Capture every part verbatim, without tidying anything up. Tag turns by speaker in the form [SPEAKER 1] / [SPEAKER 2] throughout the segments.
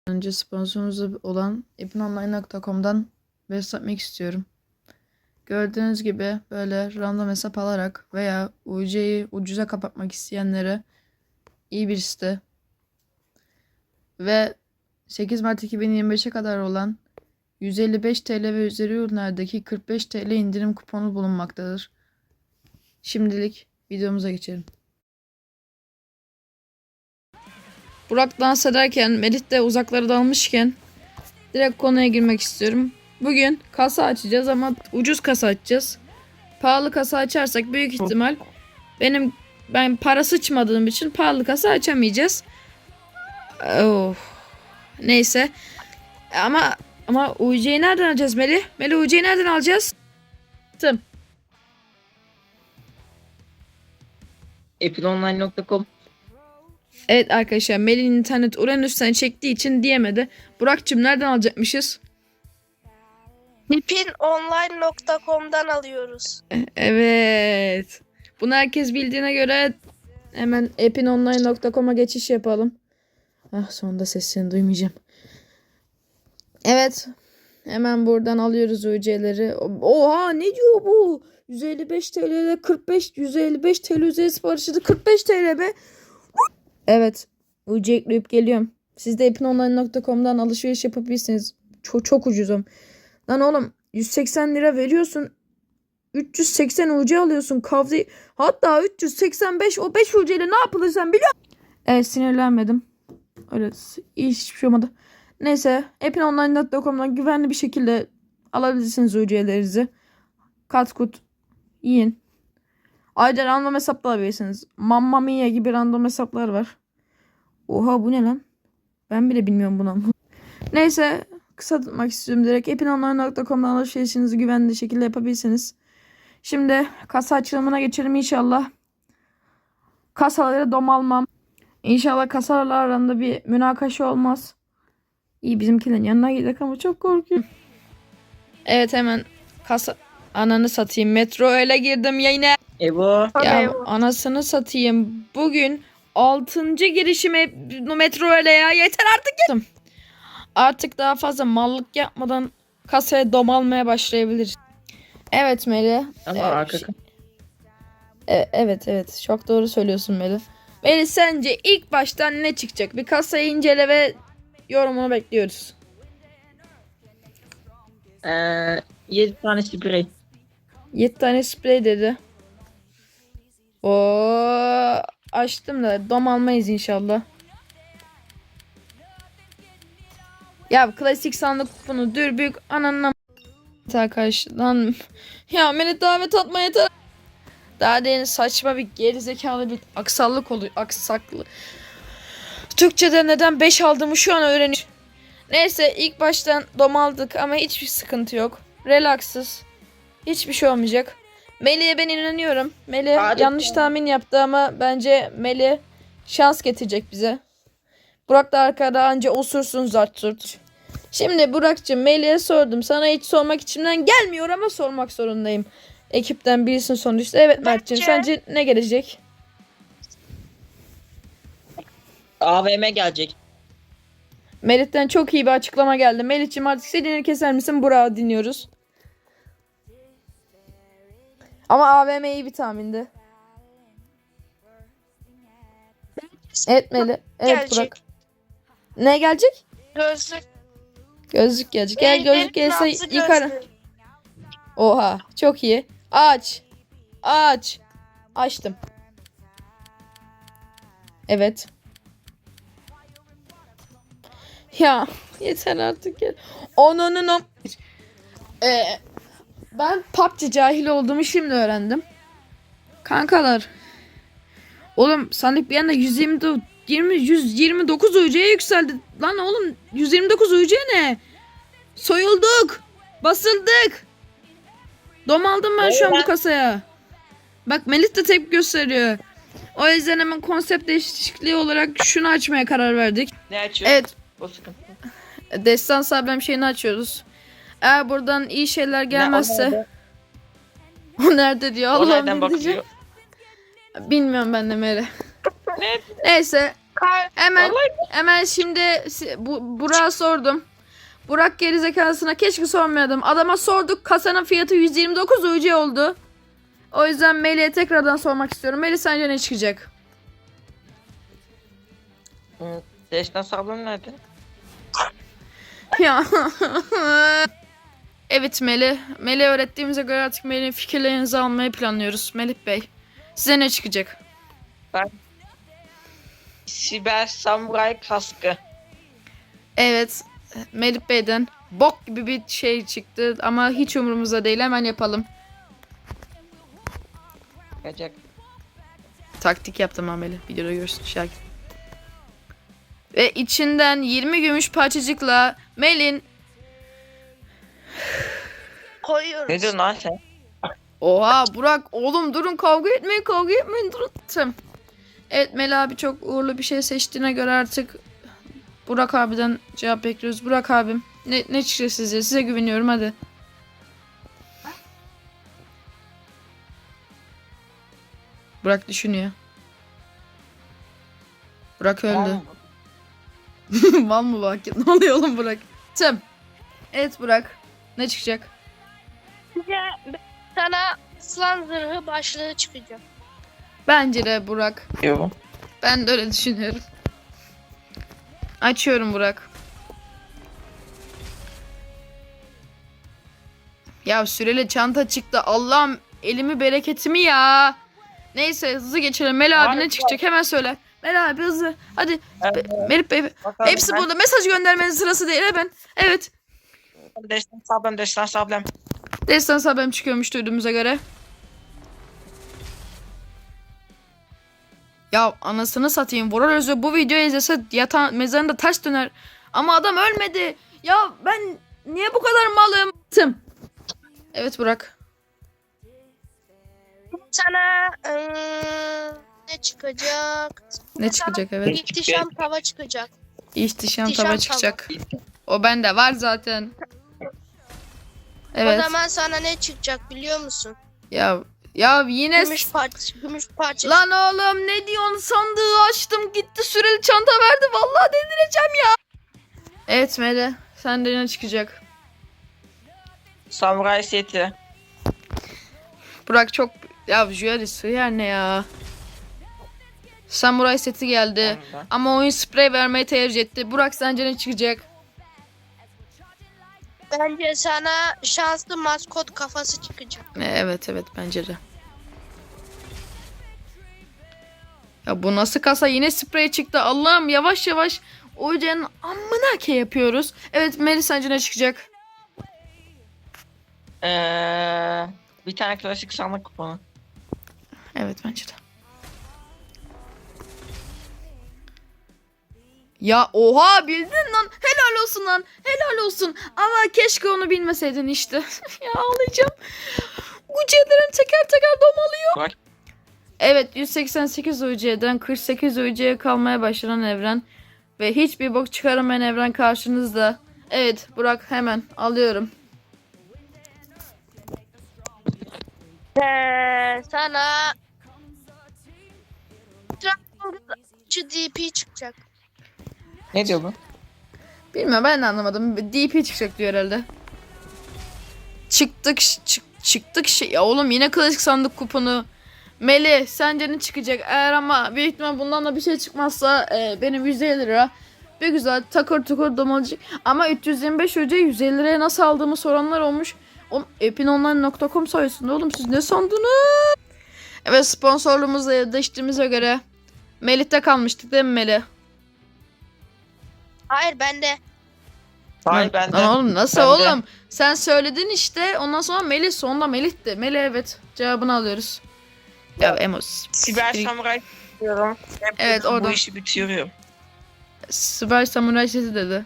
[SPEAKER 1] Önce sponsorumuz olan epinonline nokta com'dan besletmek istiyorum. Gördüğünüz gibi böyle random hesap alarak veya U C'yi ucuza kapatmak isteyenlere iyi bir site. Ve sekiz Mart iki bin yirmi beşe kadar olan yüz elli beş TL ve üzeri ürünlerdeki kırk beş TL indirim kuponu bulunmaktadır. Şimdilik videomuza geçelim. Burak dans ederken, Melih de uzaklara dalmışken direkt konuya girmek istiyorum. Bugün kasa açacağız ama ucuz kasa açacağız. Pahalı kasa açarsak büyük ihtimal benim ben para sıçmadığım için pahalı kasa açamayacağız. Oh. Neyse. Ama ama U C'yi nereden alacağız Melih? Melih U C'yi nereden alacağız? Tamam.
[SPEAKER 2] epinonline nokta com.
[SPEAKER 1] Evet arkadaşlar, Melih'in internet Uranüs'ten çektiği için diyemedi. Burak'cığım nereden alacakmışız?
[SPEAKER 3] epinonline nokta com'dan alıyoruz.
[SPEAKER 1] Evet. Bunu herkes bildiğine göre hemen epinonline nokta com'a geçiş yapalım. Ah, sonunda sesini duymayacağım. Evet. Hemen buradan alıyoruz U C'leri. Oha, ne diyor bu? yüz elli beş TL'de kırk beş yüz elli beş TL üzeri siparişi de kırk beş TL be. Evet. U C ekleyip geliyorum. Siz de epinonline nokta com'dan alışveriş yapabilirsiniz. Çok çok ucuzum. Lan oğlum, yüz seksen lira veriyorsun. üç yüz seksen U C alıyorsun. Kavzi hatta üç yüz seksen beş, o beş U C ile ne yapılır sen biliyor musun? Evet, sinirlenmedim. Öyle iyi, hiçbir şey olmadı. Neyse, epinonline nokta com'dan güvenli bir şekilde alabilirsiniz U C'lerinizi. Kat kut yiyin. Ayrıca random hesap da alabilirsiniz. Mamma Mia gibi random hesaplar var. Oha, bu ne lan? Ben bile bilmiyorum bunu. Neyse, kısa tutmak istiyorum direkt. epinonline nokta com'dan alışverişinizi güvenli şekilde yapabilirsiniz. Şimdi kasa açılımına geçelim inşallah. Kasaları domalmam. İnşallah kasalarla arasında bir münakaşa olmaz. İyi, bizimkilerin yanına gidelim ama çok korkuyorum. Evet, hemen kasa... Ananı satayım. Metro öyle girdim yine.
[SPEAKER 2] Ebo.
[SPEAKER 1] Ya
[SPEAKER 3] Evo.
[SPEAKER 1] anasını satayım. Bugün altıncı girişim metro öyle ya. Yeter artık. Artık daha fazla mallık yapmadan kasaya domalmaya başlayabiliriz. Evet Melih.
[SPEAKER 2] Ama
[SPEAKER 1] Ee,
[SPEAKER 2] arka
[SPEAKER 1] şey- E- evet evet, çok doğru söylüyorsun Melih. Melih, sence ilk baştan ne çıkacak? Bir kasayı incele ve yorumunu bekliyoruz.
[SPEAKER 2] Ee, yedi tane sprey.
[SPEAKER 1] yedi tane sprey dedi. O açtım da dom almayız inşallah. Ya klasik sandık kuponu dürbük ananına arkadaşlar. Ya beni davet atma yeter. Daha derin saçma bir gerizekalı bir aksallık oluyor. Aksaklı. Türkçe'de neden beş aldığımı şu an öğreniyorum. Neyse, ilk baştan dom aldık ama hiçbir sıkıntı yok. Relaksız. Hiçbir şey olmayacak. Melih'e ben inanıyorum. Melih
[SPEAKER 2] Hadi
[SPEAKER 1] yanlış
[SPEAKER 2] ya.
[SPEAKER 1] tahmin yaptı ama bence Melih şans getirecek bize. Burak da arkada anca osursun zart zurt. Şimdi Burak'cığım, Melih'e sordum. Sana hiç sormak içimden gelmiyor ama sormak zorundayım. Ekipten birisini sonuçta. Evet Mert'cığım,
[SPEAKER 3] Bence-
[SPEAKER 1] sence ne gelecek?
[SPEAKER 2] A V M gelecek.
[SPEAKER 1] Melih'ten çok iyi bir açıklama geldi. Melih'cim, artık seni keser misin? Burak'ı dinliyoruz. Ama A V M iyi bir tahmindi. Evet Melih. Evet
[SPEAKER 3] Gelecek.
[SPEAKER 1] Burak. Ne gelecek?
[SPEAKER 3] Gözlük.
[SPEAKER 1] Gözlük gelecek. Gel, gözlük gelse
[SPEAKER 3] nabzı
[SPEAKER 1] yıkarım.
[SPEAKER 3] gözlük.
[SPEAKER 1] Oha, çok iyi. Aç. Aç. Açtım. Evet. Ya yeter artık ya. Onun o. Ee, ben P U B G cahil olduğumu şimdi öğrendim. Kankalar. Oğlum sandık bir anda yüz yirmi yirmi yüz yirmi dokuz U C'ye yükseldi. Lan oğlum, yüz yirmi dokuz U C ne? Soyulduk. Basıldık. Dom aldım ben şu an bu kasaya. Bak, Melih de tepki gösteriyor. O yüzden hemen konsept değişikliği olarak şunu açmaya karar verdik.
[SPEAKER 2] Ne açıyor?
[SPEAKER 1] Evet.
[SPEAKER 2] O sıkıntı.
[SPEAKER 1] Destan Sabrem şeyini açıyoruz. Eğer buradan iyi şeyler gelmezse.
[SPEAKER 2] Ne,
[SPEAKER 1] O nerede diyor.
[SPEAKER 2] o
[SPEAKER 1] Allah'ım,
[SPEAKER 2] nereden
[SPEAKER 1] ne diyeceğim?
[SPEAKER 2] bakıyor?
[SPEAKER 1] Bilmiyorum ben de Meri.
[SPEAKER 2] Ne?
[SPEAKER 1] Neyse.
[SPEAKER 3] Kar
[SPEAKER 1] Hemen
[SPEAKER 2] Vallahi
[SPEAKER 1] hemen şimdi si- bu Burak'a sordum. Burak gerizekalısına keşke sormayalım. Adama sorduk. Kasanın fiyatı yüz yirmi dokuz U C oldu. O yüzden Melih'e tekrardan sormak istiyorum. Melih sence ne çıkacak?
[SPEAKER 2] Hı, Destan sablon nerede?
[SPEAKER 1] Ya. Evet Melih. Melih öğrettiğimize göre artık Melih'in fikirlerinizi almayı planlıyoruz. Melih Bey. Size ne çıkacak?
[SPEAKER 2] Siber samuray kaskı.
[SPEAKER 1] Evet. Melih Bey'den bok gibi bir şey çıktı ama hiç umurumuzda değil. Hemen yapalım.
[SPEAKER 2] Çıkacak.
[SPEAKER 1] Taktik yaptım Ameli. Videoda görürsün Şakir. Ve içinden yirmi gümüş parçacıkla Melin.
[SPEAKER 3] koyuyoruz.
[SPEAKER 2] Ne diyorsun lan sen?
[SPEAKER 1] Oha Burak oğlum durun kavga etmeyin kavga etmeyin durun. Tamam. Evet Mel abi çok uğurlu bir şey seçtiğine göre artık Burak abiden cevap bekliyoruz. Burak abim ne, ne çıkacak size? Size güveniyorum hadi. Burak düşünüyor. Burak öldü. Mal mı bak? Ne oluyor oğlum Burak? Tamam. Evet Burak. Ne çıkacak?
[SPEAKER 3] Size sana aslan zırhı başlığı çıkacak.
[SPEAKER 1] Bence de Burak.
[SPEAKER 2] Yok.
[SPEAKER 1] Ben de öyle düşünüyorum. Açıyorum Burak. Ya süreli çanta çıktı. Allah'ım elimi bereketimi ya. Neyse hızlı geçelim. Mel abi ne
[SPEAKER 2] Harika.
[SPEAKER 1] çıkacak hemen söyle. Mel abi hızlı. Hadi.
[SPEAKER 2] Evet.
[SPEAKER 1] Be- Melih Bey.
[SPEAKER 2] Bakalım
[SPEAKER 1] Hepsi
[SPEAKER 2] ben-
[SPEAKER 1] burada. Mesaj göndermenin sırası değil hemen. Evet.
[SPEAKER 2] Destan sablon, destan sablon.
[SPEAKER 1] Destan haberim çıkıyormuş duyduğumuza göre. Ya anasını satayım. Vural Özü bu videoyu izlese yatan mezarında ters döner. Ama adam ölmedi. Ya ben niye bu kadar malım? Tım. Evet Burak.
[SPEAKER 3] Sana eee, ne çıkacak?
[SPEAKER 1] Ne çıkacak evet.
[SPEAKER 3] İhtişam tava çıkacak.
[SPEAKER 1] İhtişam
[SPEAKER 3] İhtişam
[SPEAKER 1] tava
[SPEAKER 3] tava.
[SPEAKER 1] çıkacak. O bende var zaten.
[SPEAKER 3] O
[SPEAKER 1] Evet.
[SPEAKER 3] zaman sana ne çıkacak biliyor musun?
[SPEAKER 1] Ya ya yine
[SPEAKER 3] Gümüş parça, gümüş parça.
[SPEAKER 1] lan oğlum ne diyorsun sandığı açtım gitti süreli çanta verdi vallahi delireceğim ya. Evet Mele sende ne çıkacak?
[SPEAKER 2] Samuray seti.
[SPEAKER 1] Burak çok ya Juari sığır ne ya? Samuray seti geldi
[SPEAKER 2] Tamam.
[SPEAKER 1] ama oyun sprey vermeyi tercih etti. Burak sence ne çıkacak?
[SPEAKER 3] Bence sana şanslı maskot kafası çıkacak.
[SPEAKER 1] E, Evet evet bence de. Ya bu nasıl kasa yine sprey çıktı Allah'ım yavaş yavaş Oyuncağın amına ke yapıyoruz. Evet Melis sence ne çıkacak?
[SPEAKER 2] Ee, bir tane klasik sandık kuponu.
[SPEAKER 1] Evet bence de. Ya oha bildin lan. Helal olsun lan. Helal olsun. Ama keşke onu bilmeseydin işte. Ya ağlayacağım. Ucu'lerim teker teker domalıyor.
[SPEAKER 2] Bak.
[SPEAKER 1] Evet yüz seksen sekiz U C'den kırk sekiz U C'ye kalmaya başlanan evren. Ve hiçbir bok çıkaramayan evren karşınızda. Evet Burak hemen alıyorum.
[SPEAKER 3] Ee, sana Dragon D P çıkacak.
[SPEAKER 2] Ne diyor bu?
[SPEAKER 1] Bilmiyorum ben de anlamadım. D P çıkacak diyor herhalde. Çıktık çık, çıktık şey. Ya oğlum yine klasik sandık kuponu. Meli sence ne çıkacak? Eğer ama büyük ihtimal bundan da bir şey çıkmazsa e, benim yüz elli lira. Bir güzel takır tukur domalacak. Ama üç yüz yirmi beş öce yüz elli liraya nasıl aldığımı soranlar olmuş. Oğlum epinonline nokta com sayesinde oğlum siz ne sandınız? Evet sponsorluğumuzla yetiştiğimize göre Melih'te kalmıştık değil mi Melih?
[SPEAKER 3] Hayır bende.
[SPEAKER 2] Hayır ben de.
[SPEAKER 1] Lan oğlum nasıl
[SPEAKER 2] Ben de.
[SPEAKER 1] oğlum? Sen söyledin işte. Ondan sonra Melih sonunda Melih'ti. Melih evet. Cevabını alıyoruz. Ya Emos.
[SPEAKER 2] Siber samuray diyorum.
[SPEAKER 1] Evet,
[SPEAKER 2] Bu
[SPEAKER 1] oradan.
[SPEAKER 2] işi bitiriyorum.
[SPEAKER 1] Süper Samuray sesi dedi.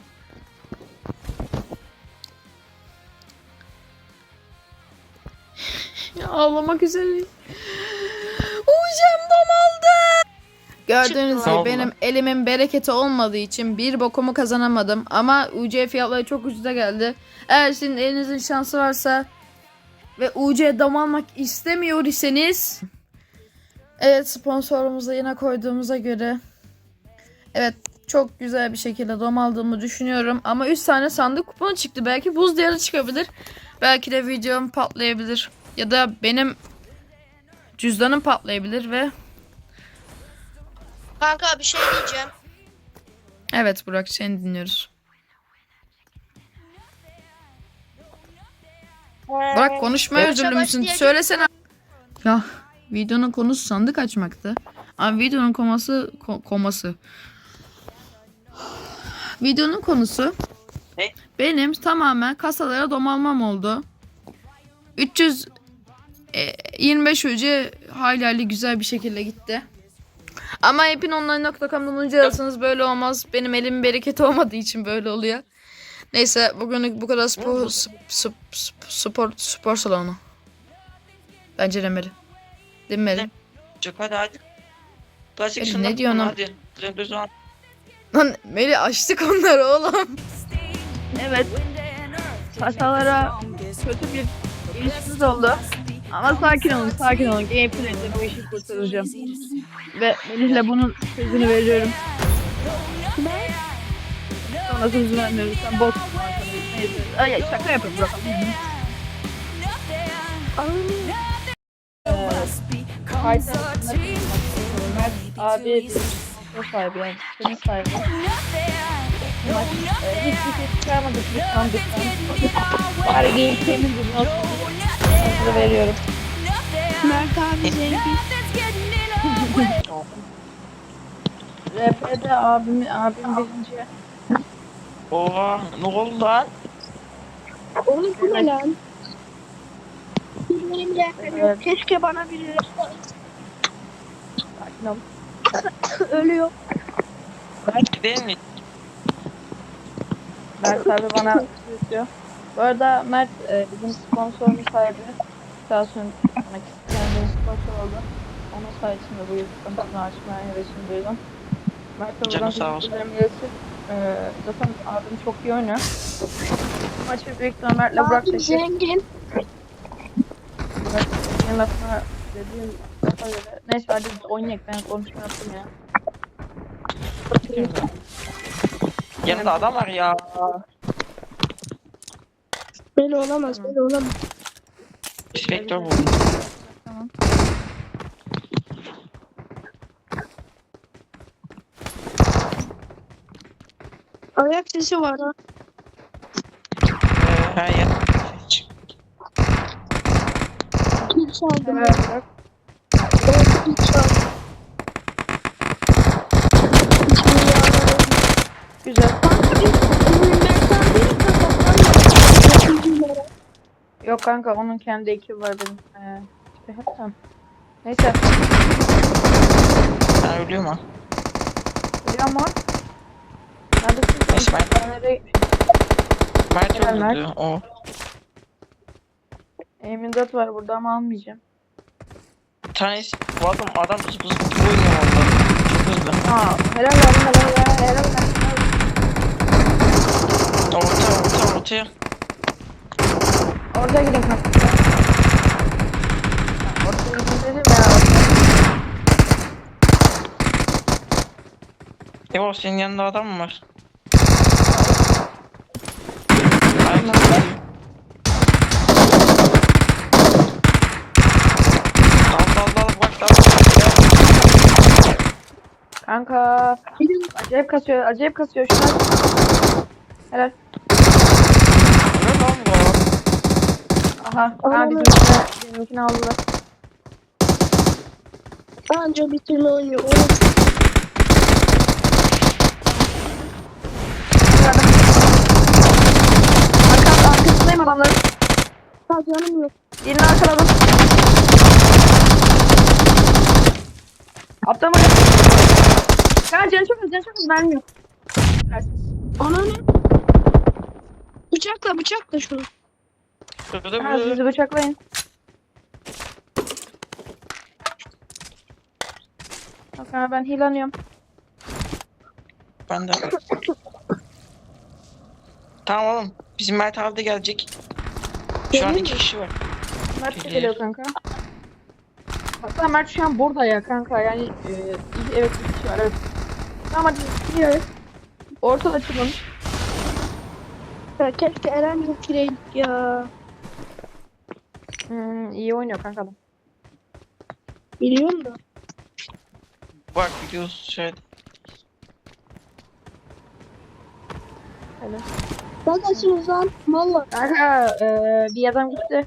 [SPEAKER 1] Ya ağlamak üzereyim. Ucem domaldı. Gördüğünüz
[SPEAKER 3] Çıktı.
[SPEAKER 1] gibi benim elimin bereketi olmadığı için bir bokumu kazanamadım. Ama U C fiyatları çok ucuza geldi. Eğer sizin elinizin şansı varsa ve U C dam almak istemiyor iseniz evet sponsorumuzu yine koyduğumuza göre Evet, çok güzel bir şekilde dom aldığımı düşünüyorum. Ama üç tane sandık kuponu çıktı. Belki buz diyarı çıkabilir. Belki de videom patlayabilir. Ya da benim cüzdanım patlayabilir ve...
[SPEAKER 3] Kanka bir şey diyeceğim.
[SPEAKER 1] Evet Burak, seni dinliyoruz. Burak konuşmaya
[SPEAKER 3] Yarışa
[SPEAKER 1] özürlü müsün?
[SPEAKER 3] başlayacak-
[SPEAKER 1] Söylesene. Ya videonun konusu sandık açmaktı. Ama videonun koması ko- koması. Videonun konusu
[SPEAKER 2] Ne?
[SPEAKER 1] benim tamamen kasalara dom almam oldu. üç yüz yirmi beş üce hayli hayli güzel bir şekilde gitti. Ama hepinonline nokta com'dan önce alırsanız böyle olmaz. Benim elimin bereketi olmadığı için böyle oluyor. Neyse bugünlük bu kadar spor, sp- sp- sp- spor, spor salonu. Bence demeli. Demeli.
[SPEAKER 2] Çok hadi hadi. Plastik
[SPEAKER 1] Melih,
[SPEAKER 2] şundan
[SPEAKER 1] ne diyorsun
[SPEAKER 2] kullan,
[SPEAKER 1] oğlum?
[SPEAKER 2] hadi. Sen düz an.
[SPEAKER 1] Lan Melih, açtık onları oğlum. Evet. Kasalara kötü bir ilişkimiz oldu. Ama sakin olun, sakin olun. Gameplay'de bu işi kurtaracağım. Ve Melih'le bunun sözünü veriyorum. Sonra sözü vermiyoruz. Sen bot. Neyse. Ay, şaka yapıyorum bırakalım. Fayda Mert abi bir o sahibi yani senin sahibi. Maç e, hiçbir şey çıkarmadık biz sandıktan. Bari gameplay'imiz gibi olsun. Sözü veriyorum.
[SPEAKER 3] Mert abi zengin.
[SPEAKER 1] R P'de abim, abim birinci.
[SPEAKER 2] Oha ne oldu lan?
[SPEAKER 3] Oğlum bu ne lan? Benim de
[SPEAKER 1] Evet.
[SPEAKER 3] keşke bana biri
[SPEAKER 1] Sakin ol.
[SPEAKER 3] ölüyor.
[SPEAKER 2] Değil mi?
[SPEAKER 1] Mert abi bana istiyor. Bu arada Mert e, bizim sponsorumuz sahibi. Sağ olsun kendine sponsor oldu. Onun sayesinde bu YouTube'dan açmaya hevesini duydum. Mert'e buradan
[SPEAKER 2] Canı sağ olsun.
[SPEAKER 1] teşekkürlerimi iletir. Ee, zaten abim çok iyi oynuyor. Maçı büyük ihtimalle Mert'le Burak
[SPEAKER 3] Abi
[SPEAKER 1] çekecek.
[SPEAKER 3] zengin.
[SPEAKER 1] Mert dediğin lafına dediğin lafa göre. Neyse hadi biz oynayalım, ben konuşma yaptım ya.
[SPEAKER 2] Yanında adam var ya.
[SPEAKER 3] Böyle olamaz, böyle olamaz.
[SPEAKER 2] Inspektör bu.
[SPEAKER 1] Tamam.
[SPEAKER 3] Ayak sesi var ha.
[SPEAKER 2] Ee, her yer.
[SPEAKER 3] Kim çaldı?
[SPEAKER 1] Evet Burak.
[SPEAKER 3] Evet, kim çaldı?
[SPEAKER 1] Güzel. Yok kanka, onun kendi ekibi var benim. Ee, işte hep tamam. Neyse.
[SPEAKER 2] Ben ölüyorum ha.
[SPEAKER 1] Biliyor musun? Neredesin?
[SPEAKER 2] Neyse, ben-
[SPEAKER 1] Ben nereye gitmişim?
[SPEAKER 2] Mert
[SPEAKER 1] Gel, Mert.
[SPEAKER 2] öldürdü. O.
[SPEAKER 1] M yirmi dört var burada ama almayacağım.
[SPEAKER 2] Bir tanesi. Bu adam adam zıp zıp zıp oynuyor orada. Çok hızlı.
[SPEAKER 1] Aa, helal olsun, helal ya, helal olsun.
[SPEAKER 2] Orta orta ortaya.
[SPEAKER 1] Orada gidin kanka. Orada gidin dedim ya.
[SPEAKER 2] Evo senin yanında adam mı var?
[SPEAKER 1] Orada.
[SPEAKER 2] Dal dal dal bak dal.
[SPEAKER 1] Kanka. Acayip kasıyor, acayip kasıyor. Şuna. Helal.
[SPEAKER 2] Ne lan bu?
[SPEAKER 1] Aha. Aha bizimkine, bizimkini aldılar.
[SPEAKER 3] Anca bitirme oynuyor.
[SPEAKER 1] Arka, arkasındayım adamların.
[SPEAKER 3] Ha canım yok.
[SPEAKER 1] Birini arkaladım. Aptal bak. Ya canı çok az, canı çok az. Vermiyor.
[SPEAKER 3] Ananı. Bıçakla bıçakla şunu.
[SPEAKER 2] Şurada
[SPEAKER 1] Ha,
[SPEAKER 2] bir
[SPEAKER 1] sizi bıçaklayın. Bak ha, ben hilanıyorum.
[SPEAKER 2] ben de. Tamam oğlum. Bizim Mert abi de gelecek. Şu an
[SPEAKER 3] Gelir
[SPEAKER 2] iki
[SPEAKER 3] mi?
[SPEAKER 2] kişi var.
[SPEAKER 1] Mert de
[SPEAKER 2] Gelir.
[SPEAKER 1] geliyor kanka. Hatta Mert şu an burada ya kanka, yani e, evet bir kişi var, evet. Tamam hadi gidiyoruz. Orta açılmış.
[SPEAKER 3] Ya keşke Eren gireydik ya.
[SPEAKER 1] Hmm, iyi oynuyor kanka adam.
[SPEAKER 3] Biliyorum da.
[SPEAKER 2] Bak gidiyoruz şey.
[SPEAKER 1] Öyle.
[SPEAKER 3] Neredesiniz lan? Valla.
[SPEAKER 1] Kanka eee, bir adam gitti.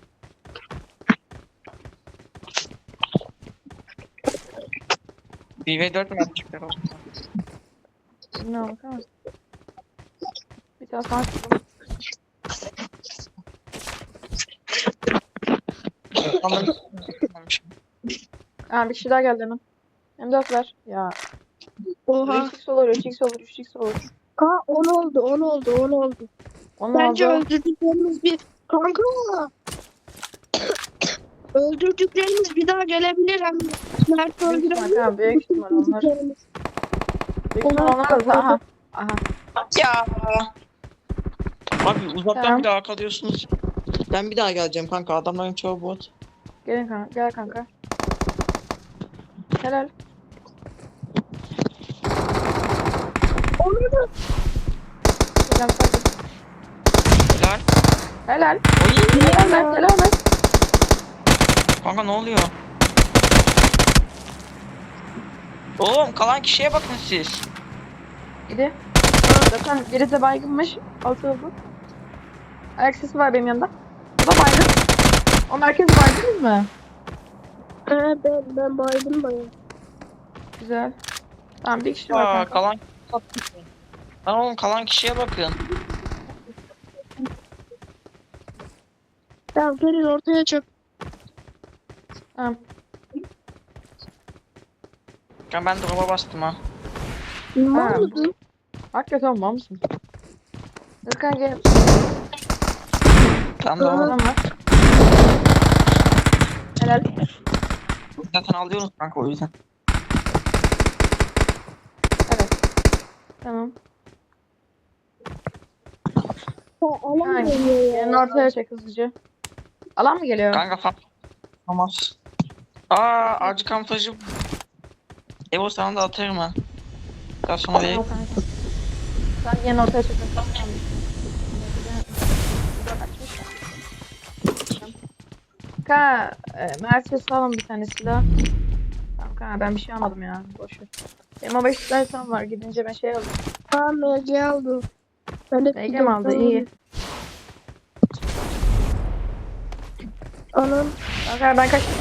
[SPEAKER 2] bir ve dört mü yapacaklar o zaman?
[SPEAKER 1] Ne bakalım. Bir tane sana çıktım.
[SPEAKER 2] Ama
[SPEAKER 1] Aa, bir kişi daha geldi hemen. M dört ver. Ya.
[SPEAKER 3] Oha.
[SPEAKER 1] üç x olur, üç x olur, üç x olur.
[SPEAKER 3] Ha on oldu, on oldu, on oldu.
[SPEAKER 1] Onun
[SPEAKER 3] Bence
[SPEAKER 1] oldu.
[SPEAKER 3] öldürdüklerimiz bir... Kanka. Öldürdüklerimiz bir daha gelebilir hem de. Mert
[SPEAKER 1] Büyük ihtimal,
[SPEAKER 3] öldürebilir.
[SPEAKER 1] tamam, büyük ihtimal onlar.
[SPEAKER 3] Öldürdüklerimiz.
[SPEAKER 1] Büyük ihtimal onlar da. Aha. Aha.
[SPEAKER 2] ya. Abi uzaktan
[SPEAKER 1] Tamam.
[SPEAKER 2] bir daha kalıyorsunuz. Ben bir daha geleceğim kanka. Adamların çoğu bot.
[SPEAKER 1] Gelin kanka. Gel kanka. Helal.
[SPEAKER 3] Onu da
[SPEAKER 1] Helal. Sakin.
[SPEAKER 2] Helal.
[SPEAKER 1] Helal.
[SPEAKER 2] Oy.
[SPEAKER 1] Helal Mert. Helal Mert.
[SPEAKER 2] Kanka ne oluyor? Oğlum kalan kişiye bakın siz.
[SPEAKER 1] Gidi. Zaten biri de baygınmış. Altı oldu. Ayak sesi var benim yanımda. O da baygın. O merkez baygınız mı?
[SPEAKER 3] He ben, ben baydım bayağı.
[SPEAKER 1] Güzel. Tamam bir kişi var
[SPEAKER 2] Aa,
[SPEAKER 1] kanka.
[SPEAKER 2] kalan Lan oğlum kalan kişiye bakın.
[SPEAKER 3] Ya gelin ortaya çık.
[SPEAKER 1] Tamam.
[SPEAKER 2] Ya ben drop'a bastım ha.
[SPEAKER 3] Ne
[SPEAKER 1] Ha.
[SPEAKER 3] oldu?
[SPEAKER 1] Hakikaten var mısın? Özkan gel.
[SPEAKER 2] Tam da
[SPEAKER 1] Adam var. Helal.
[SPEAKER 2] zaten alıyoruz kanka o yüzden.
[SPEAKER 1] Evet. Tamam.
[SPEAKER 3] Ha, alan
[SPEAKER 1] Aynen.
[SPEAKER 3] geliyor ya.
[SPEAKER 1] Yanını ortaya çek hızlıca. Alan mı geliyor?
[SPEAKER 2] Kanka falan. Olmaz. Aa acı kamuflajı. Evo sana da atarım ha. Daha sonra
[SPEAKER 1] Tamam
[SPEAKER 2] vereyim.
[SPEAKER 1] kanka. Sen yanını ortaya çek. Tamam. Kanka, e, Mert'e salın bir tane silah. Tamam kanka ben bir şey almadım ya. Boş ver. Benim o beş tane tam var. Gidince ben şey aldım.
[SPEAKER 3] Tamam M G aldı. Ben de
[SPEAKER 1] M G mi aldı? İyi.
[SPEAKER 3] Anam.
[SPEAKER 1] Kanka ben kaçtım.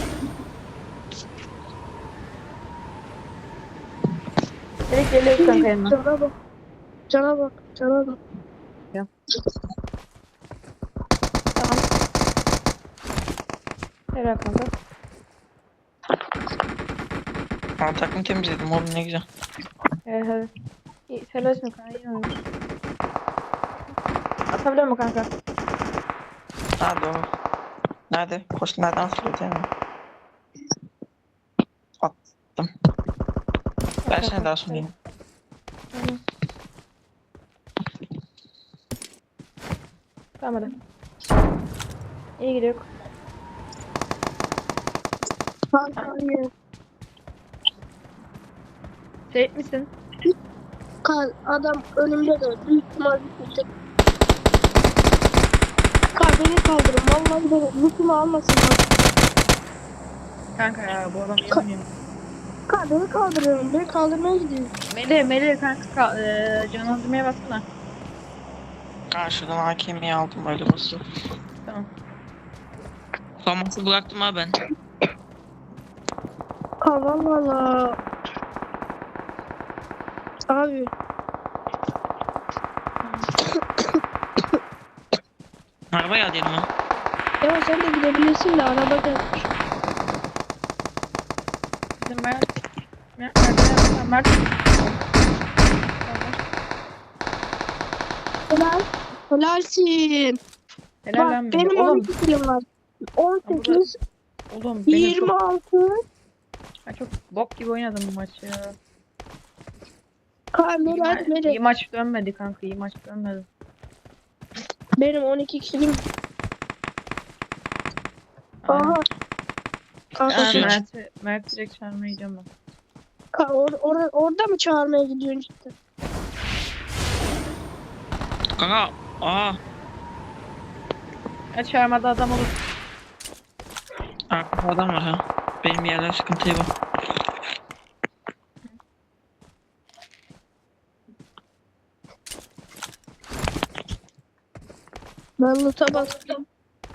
[SPEAKER 1] Direkt geliyoruz kanka yanına.
[SPEAKER 3] Cana bak. Cana bak. Cana bak.
[SPEAKER 1] Tamam. Helal kanka.
[SPEAKER 2] Ben takım temizledim oğlum ne güzel.
[SPEAKER 1] Evet evet. İyi, helal olsun kanka. İyi oynuyorsun. Atabiliyor mu kanka?
[SPEAKER 2] Ha doğru. Nerede? Koş nereden atılıyor değil mi? Attım. Ben seni daha sunayım.
[SPEAKER 1] Tamam. Tamam hadi. İyi gidiyor.
[SPEAKER 3] Hayır.
[SPEAKER 1] Seyit misin?
[SPEAKER 3] Kal adam önümde de büyük ihtimal bitecek. Kal beni kaldırın. Vallahi beni lütfumu almasın.
[SPEAKER 1] Kanka ya bu adam iyi oynuyor.
[SPEAKER 3] Kal beni kaldırıyorum. Beni kaldırmaya gidiyor.
[SPEAKER 1] Melih, Melih kanka ka- eee canlandırmaya baksana.
[SPEAKER 2] Ha şuradan A K M'yi aldım öyle basıyor.
[SPEAKER 1] Tamam.
[SPEAKER 2] Faması bıraktım ha ben.
[SPEAKER 3] Kal valla. Abi.
[SPEAKER 2] Arabaya al yanıma.
[SPEAKER 3] Ya sen de gidebilirsin de araba gelmiş.
[SPEAKER 1] Bizim Mert. Mert. Mert. Mert.
[SPEAKER 3] Helal. Helalsin.
[SPEAKER 1] Helal
[SPEAKER 3] Bak
[SPEAKER 1] lan Melih.
[SPEAKER 3] benim
[SPEAKER 1] Oğlum,
[SPEAKER 3] on iki kilim var. on sekiz,
[SPEAKER 1] oğlum benim
[SPEAKER 3] yirmi
[SPEAKER 1] çok,
[SPEAKER 3] altı.
[SPEAKER 1] ben çok bok gibi oynadım bu maçı ya.
[SPEAKER 3] Kal
[SPEAKER 1] İyi,
[SPEAKER 3] Meral
[SPEAKER 1] ma- iyi
[SPEAKER 3] Meral.
[SPEAKER 1] maç dönmedi kanka. İyi maç dönmedi.
[SPEAKER 3] Benim on iki kilim.
[SPEAKER 1] Aynen.
[SPEAKER 3] Aha. Kanka
[SPEAKER 1] Aynen,
[SPEAKER 2] Şey-
[SPEAKER 1] Mert'i Mert direkt çağırmaya gidiyorum ben.
[SPEAKER 4] Ka or or orada mı çağırmaya gidiyorsun cidden?
[SPEAKER 2] Kanka aa.
[SPEAKER 5] Ya çağırmada adam olur.
[SPEAKER 2] Arkada adam var ha. Benim yerler sıkıntıya bak.
[SPEAKER 4] Ben loot'a bastım.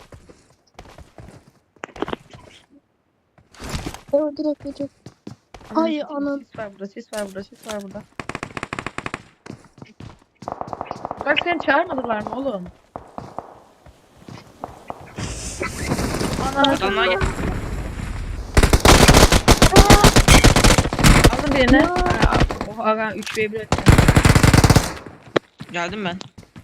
[SPEAKER 4] O direkt geçecek. Ay,
[SPEAKER 5] Anam,
[SPEAKER 4] anam.
[SPEAKER 5] Sis var burada, sis var burada, sis var burada. Bak seni çağırmadılar mı oğlum? Ana,
[SPEAKER 2] Adamlar gel.
[SPEAKER 5] aldın birini. Ha, oha ben üç ve bir ettim.
[SPEAKER 2] Geldim ben.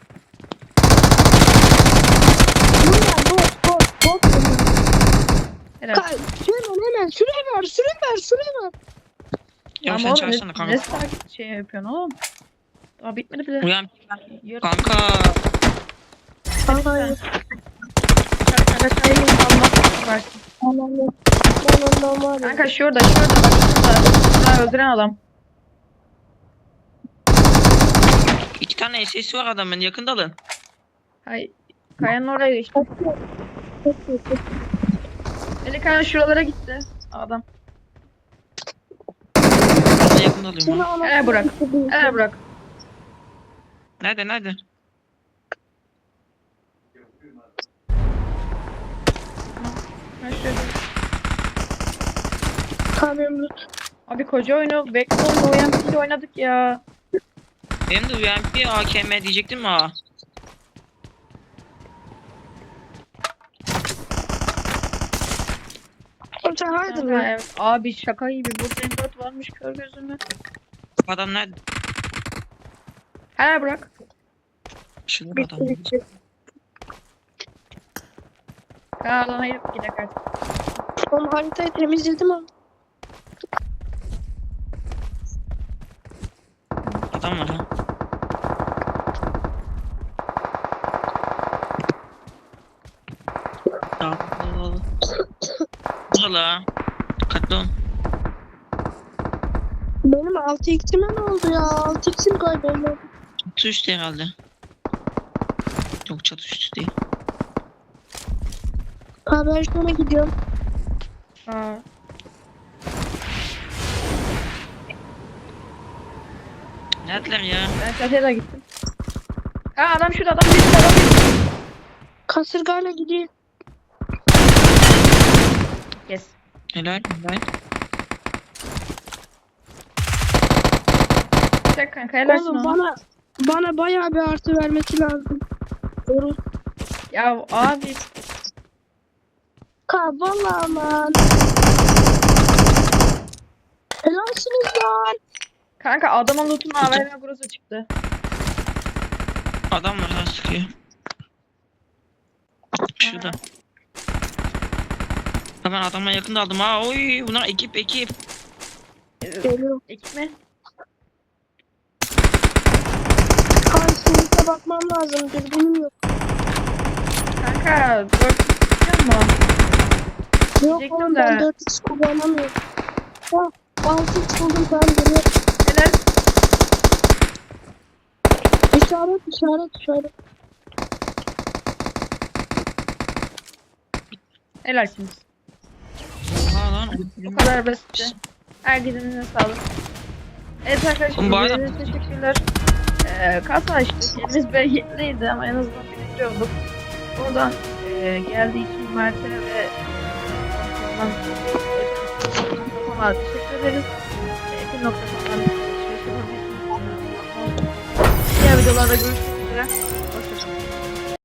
[SPEAKER 4] Bu ne? Bot bot bot.
[SPEAKER 5] Helal.
[SPEAKER 4] Ka hemen hemen süre ver süre ver süre ver.
[SPEAKER 2] Ya
[SPEAKER 5] Ama
[SPEAKER 2] sen
[SPEAKER 5] oğlum
[SPEAKER 2] çağırsana
[SPEAKER 5] ne,
[SPEAKER 2] kanka.
[SPEAKER 5] ne sakin şey yapıyorsun oğlum? Daha bitmedi bile.
[SPEAKER 2] Uyan.
[SPEAKER 5] Yarın
[SPEAKER 2] Kanka.
[SPEAKER 4] Hayır.
[SPEAKER 5] kanka çayını almak versin.
[SPEAKER 4] Anam yok. Ben ondan var ya.
[SPEAKER 5] Kanka şurada şurada bak şurada. Şurada öldüren adam.
[SPEAKER 2] İki tane S S var adamın, yakında alın.
[SPEAKER 5] Hay kayanın oraya geçti. Eli kayan şuralara gitti. Adam.
[SPEAKER 2] Ben de yakında alıyorum
[SPEAKER 4] Seni
[SPEAKER 2] ha.
[SPEAKER 4] ana-
[SPEAKER 5] Helal bırak. Helal bırak.
[SPEAKER 2] Nerede nerede?
[SPEAKER 5] Ben şöyle.
[SPEAKER 4] Kamyon loot.
[SPEAKER 5] Abi koca oyunu Backbone'la O M P ile oynadık ya.
[SPEAKER 2] Benim de U M P A K M diyecektim mi ha?
[SPEAKER 4] Oğlum sen haydi
[SPEAKER 5] Kanka,
[SPEAKER 4] mı?
[SPEAKER 5] evet. Abi şaka gibi. Burada M dört varmış kör gözüme.
[SPEAKER 2] Adam nerede?
[SPEAKER 5] Helal bırak.
[SPEAKER 2] Şurada
[SPEAKER 4] Bitti
[SPEAKER 2] adam.
[SPEAKER 4] bitti.
[SPEAKER 5] Kanka hayır gidelim artık.
[SPEAKER 4] Oğlum haritayı temizledim ama.
[SPEAKER 2] Adam var ha. Tamam. Valla. Dikkatli olun.
[SPEAKER 4] Benim altı x'ime ne oldu ya? altı x'im kayboldu.
[SPEAKER 2] Çatı üstü herhalde. Yok çatı üstü değil.
[SPEAKER 4] Ha ben şuna gidiyorum.
[SPEAKER 5] Aa.
[SPEAKER 2] Neredeler ya?
[SPEAKER 5] Ben çatıya da gittim. Ha adam şurada adam bir adam bir.
[SPEAKER 4] Kasırgayla gidiyor.
[SPEAKER 5] Yes.
[SPEAKER 2] Helal helal.
[SPEAKER 5] Çek kanka helalsin
[SPEAKER 4] Oğlum
[SPEAKER 5] ona.
[SPEAKER 4] bana bana bayağı bir artı vermesi lazım. Doğru.
[SPEAKER 5] Ya abi.
[SPEAKER 4] Ka vallahi aman. Helalsiniz lan.
[SPEAKER 5] Kanka adamın loot'un A V M groza çıktı.
[SPEAKER 2] Adam var ha, sıkıyor. Şurada. Hemen adamla yakında aldım ha. Oy bunlar ekip ekip.
[SPEAKER 4] Geliyor.
[SPEAKER 5] Ekip mi?
[SPEAKER 4] Kan sinite bakmam lazım. Dürbünüm yok.
[SPEAKER 5] Kanka dört tutuyor mu?
[SPEAKER 4] Yok
[SPEAKER 5] Diyecektim
[SPEAKER 4] oğlum ben
[SPEAKER 5] de.
[SPEAKER 4] dört x kullanamıyorum. Ha altı x buldum ben geliyor.
[SPEAKER 5] Helal.
[SPEAKER 4] İşaret işaret işaret.
[SPEAKER 5] Helalsiniz.
[SPEAKER 2] Oha lan.
[SPEAKER 5] Bu kadar basitti. Herkesin sağlık. Evet arkadaşlar
[SPEAKER 2] Oğlum bu arada-
[SPEAKER 5] izlediğiniz için teşekkürler. Ee, kasa açtık. Elimiz behitliydi ama en azından biriktiriyorduk. Buradan e, geldiği için Mert'e ve Sonra teşekkür ederiz. Ekin noktasından alışveriş yapabilirsiniz. Diğer videolarda görüşmek üzere. Hoşçakalın.